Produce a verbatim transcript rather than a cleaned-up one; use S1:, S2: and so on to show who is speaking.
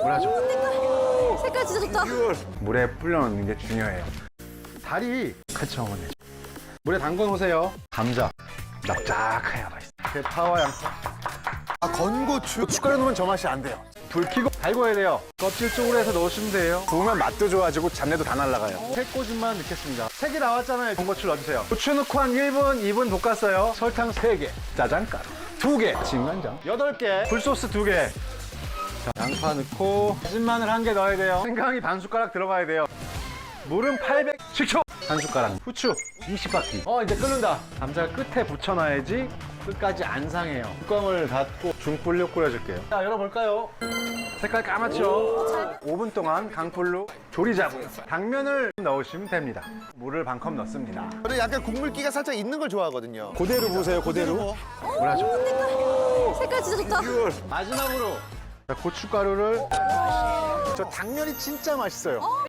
S1: 뭐라죠?
S2: 색깔 진짜 좋다.
S1: 물에 불려놓는 게 중요해요. 다리 같이 어머니. 물에 담궈 놓으세요. 감자 납작하게 하나 있어. 대파와 양파.
S3: 아, 건고추.
S1: 고춧가루 넣으면 저 맛이 안 돼요. 불 켜고 달궈야 돼요. 껍질 쪽으로 해서 넣으시면 돼요. 구우면 맛도 좋아지고 잡내도 다 날아가요. 새꼬집만 넣겠습니다. 색이 나왔잖아요. 건고추 넣어주세요. 고추 넣고 한 일 분, 이 분 볶았어요. 설탕 세 개, 짜장가루 두 개, 진간장 여덟 개, 굴소스 두 개. 자, 양파 넣고 다진 마늘 한 개 넣어야 돼요. 생강이 반 숟가락 들어가야 돼요. 물은 팔백, 식초 한 숟가락, 후추 이십 바퀴. 어, 이제 끓는다. 감자 끝에 붙여놔야지 끝까지 안 상해요. 뚜껑을 닫고 중불로 끓여줄게요. 자, 열어볼까요? 색깔 까맣죠? 오 분 동안 강불로 조리자고 당면을 넣으시면 됩니다. 물을 반 컵 넣습니다.
S3: 저는 약간 국물기가 살짝 있는 걸 좋아하거든요.
S1: 그대로 보세요, 그대로. 뭐라죠?
S2: 색깔 진짜 좋다.
S1: 마지막으로 자, 고춧가루를. 저 당면이 진짜 맛있어요.